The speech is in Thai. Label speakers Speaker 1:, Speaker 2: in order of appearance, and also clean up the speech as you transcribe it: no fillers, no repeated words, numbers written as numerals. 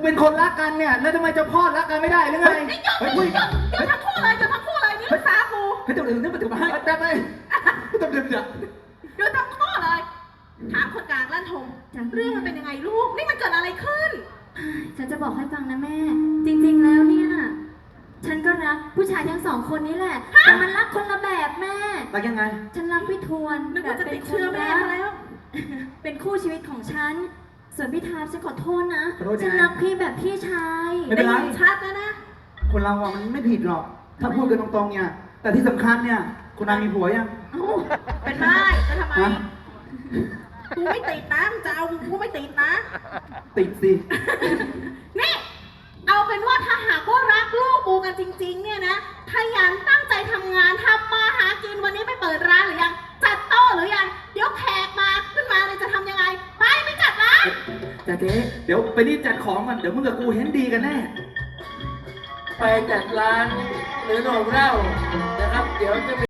Speaker 1: เป็นคนรักกันเนี่ยแล้วทำไมเจ้าพ่อรักกันไม่ได้หรือไง
Speaker 2: เฮ้ยหยุดทั้งคู่เลยทั้งคู่เลยนี่ภาษากู
Speaker 1: ให้ตัวอื่นนี่มันถึงมาให้แต่ไปต้องเดือดจ้ะ
Speaker 2: หยุดทั้งคู่เลยถามคนกลางลั่นทงเรื่องมันเป็นยังไงลูกนี่มันเกิดอะไรขึ้น
Speaker 3: ฉันจะบอกให้ฟังนะแม่จริงๆแล้วเนี่ยฉันก็รักผู้ชายทั้งสองคนนี้แหละแต่มันรักคนละแบบแม่
Speaker 1: รักยังไง
Speaker 3: ฉันรักพี่ทวน
Speaker 2: แบบเป็นเชื่อแม่แล้ว
Speaker 3: เป็นคู่ชีวิตของฉันส่วนพี่ทาฉันขอโทษนะฉันรักพี่แบบพี่ชาย
Speaker 1: ไม่เป็นไร
Speaker 2: ชัดแล้วนะ
Speaker 1: คนเราอ่ะมันไม่ผิดหรอกถ้าพูดกันตรงๆเนี่ยแต่ที่สำคัญเนี่ยคุณนายมีผัวยัง
Speaker 2: เป็นได้จะทำไมกูไม่ติดนะจะเอากูไม่ติดนะ
Speaker 1: ติดสิ
Speaker 2: นี่เอาเป็นว่าถ้าหากว่ารักลูกกูกันจริงๆเนี่ยนะขยันตั้งใจทำงานทำมาหากินวันนี้ไปเปิดร้านหรือยังจัดโต๊ะหรือยังเดี๋ยวแขกมาขึ้นมาเลยจะทำยังไงไปไม่จัดร้าน
Speaker 1: แต่เจ๊เดี๋ยวไปรีบจัดของกันเดี๋ยวมึงกับกูเห็นดีกันแน่
Speaker 4: ไปจัดร้านหรือโรงเหล้านะครับเดี๋ยวจะ